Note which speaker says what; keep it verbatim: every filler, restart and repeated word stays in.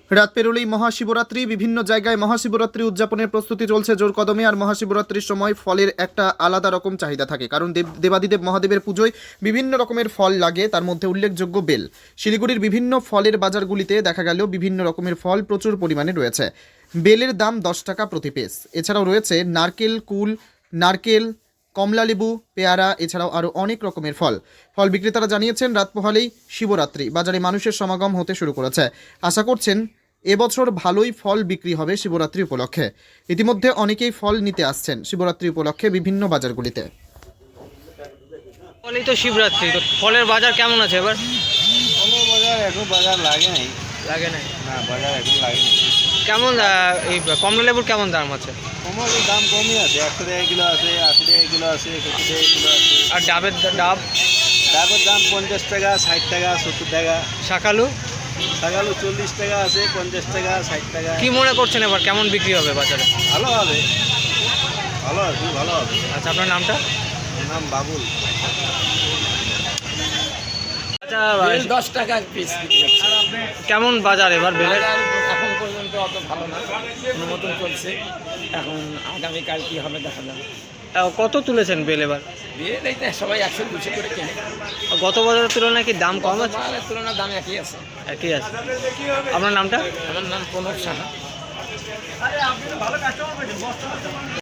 Speaker 1: রাত পেরোলেই মহাশিবরাত্রি। বিভিন্ন জায়গায় মহাশিবরাত্রি উদযাপনের প্রস্তুতি চলছে জোর কদমে। আর মহাশিবরাত্রির সময় ফলের একটা আলাদা রকম চাহিদা থাকে, কারণ দেব দেবাদিদেব মহাদেবের পুজোয় বিভিন্ন রকমের ফল লাগে, তার মধ্যে উল্লেখযোগ্য বেল। শিলিগুড়ির বিভিন্ন ফলের বাজারগুলিতে দেখা গেল বিভিন্ন রকমের ফল প্রচুর পরিমাণে রয়েছে। বেলের দাম দশ টাকা প্রতি পিস। এছাড়াও রয়েছে নারকেল, কুল, নারকেল, কমলালেবু, পেয়ারা, এছাড়াও আরও অনেক রকমের ফল। ফল বিক্রেতারা জানিয়েছেন, রাত পোহালেই শিবরাত্রি, বাজারে মানুষের সমাগম হতে শুরু করেছে। আশা করছেন এবছর ভালোই ফল বিক্রি হবে শিবরাত্রি উপলক্ষে। ইতিমধ্যে অনেকেই ফল নিতে আসছেন শিবরাত্রি উপলক্ষে বিভিন্ন বাজারগুলিতে।
Speaker 2: ফলেই তো শিবরাত্রি, তো ফলের বাজার কেমন আছে এবার?
Speaker 3: ফলের বাজার এখন বাজার লাগে নাই।
Speaker 2: লাগে না
Speaker 3: না, বাজার এখন লাগে নাই।
Speaker 2: কেমন আহ, এই কমলা লেবুর কেমন দাম আছে?
Speaker 3: কমলের দাম কমই আছে, একশো টাকা কিলো আছে, আশি টাকা কিলো আছে, সত্তর টাকা কিলো আছে।
Speaker 2: আর ডাবের দা- ডাব,
Speaker 3: ডাবের দাম পঞ্চাশ টাকা, ষাট টাকা, সত্তর টাকা।
Speaker 2: শাকালু
Speaker 3: শাকালু চল্লিশ টাকা আছে, পঞ্চাশ টাকা, ষাট টাকা।
Speaker 2: কি মনে করছেন এবার কেমন বিক্রি হবে বাজারে?
Speaker 3: ভালো হবে, ভালো হবে, খুব ভালো হবে।
Speaker 2: আচ্ছা, আপনার নামটা?
Speaker 3: আমার নাম বাবুল।
Speaker 2: আচ্ছা,
Speaker 4: বেল দশ টাকা পিস বিক্রি হচ্ছে।
Speaker 2: কেমন বাজার এবার বেলের?
Speaker 4: বাজার এখন পর্যন্ত অত ভালো না, কোনো মতন চলছে। এখন আগামীকাল কি হবে দেখা যাবে।
Speaker 2: আহ, কত তুলেছেন বেল এবার?
Speaker 4: বেল এই তো সবাই একশো দুশো করে কেনে।
Speaker 2: গত বাজারের তুলনায় কি দাম কম আছে?
Speaker 4: মালের তুলনায় দাম একই আছে।
Speaker 2: একই আছে। আপনার নামটা?
Speaker 4: আমার নাম প্রণব সাহা।